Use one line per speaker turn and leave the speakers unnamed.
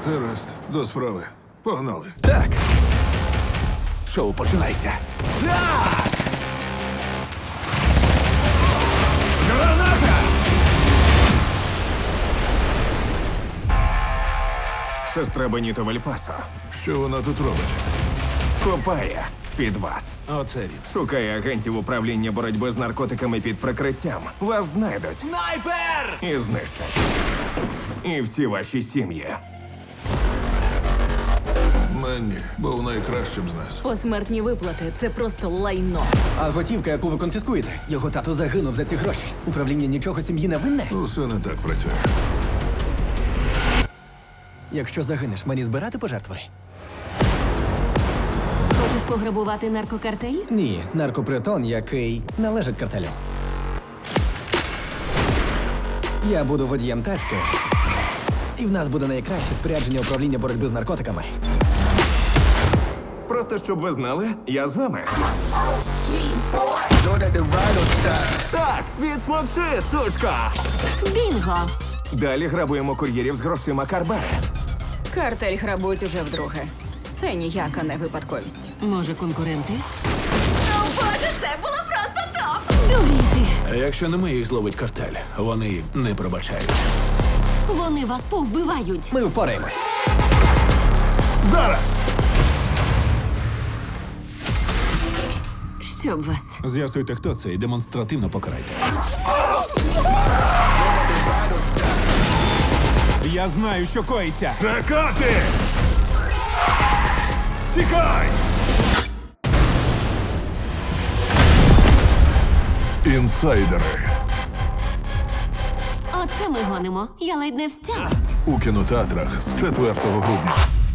Гаразд, до справи. Погнали.
Так. Шоу починається. Так! Граната! Сестра Беніто Вальпасо
Що вона тут робить?
копає під вас.
Оце він.
Шукає агентів управління боротьби з наркотиками під прикриттям. Вас знайдуть. Снайпер! І знищать. І всі ваші сім'ї.
Менні був найкращим з нас.
Посмертні виплати це просто лайно.
А готівка, яку ви конфіскуєте? Його тато загинув за ці гроші. Управління нічого сім'ї не винне?
Усе не так працює.
Якщо загинеш, мені збирати пожертви?
Хочеш пограбувати наркокартель?
Ні, наркопритон, який належить картелю. Я буду водієм тачки, і в нас буде найкраще спорядження управління боротьби з наркотиками.
Просто щоб ви знали, я з вами. Так, відсмокши, сучка!
Бінго!
Далі грабуємо кур'єрів з грошима Карбари.
Картель грабують уже вдруге. Це ніяка не випадковість.
Може, конкуренти?
Боже, це було просто топ!
Дуріти!
А якщо не ми їх зловить картель, вони не пробачають.
Вони вас повбивають!
Ми впораємось.
Зараз!
Щоб вас.
З'ясуйте, хто це, і демонстративно покарайте. Я знаю, що коїться.
Чекати! Тікай! Інсайдери.
Оце ми гонимо. Я ледь не встялась.
У кінотеатрах з 4 грудня.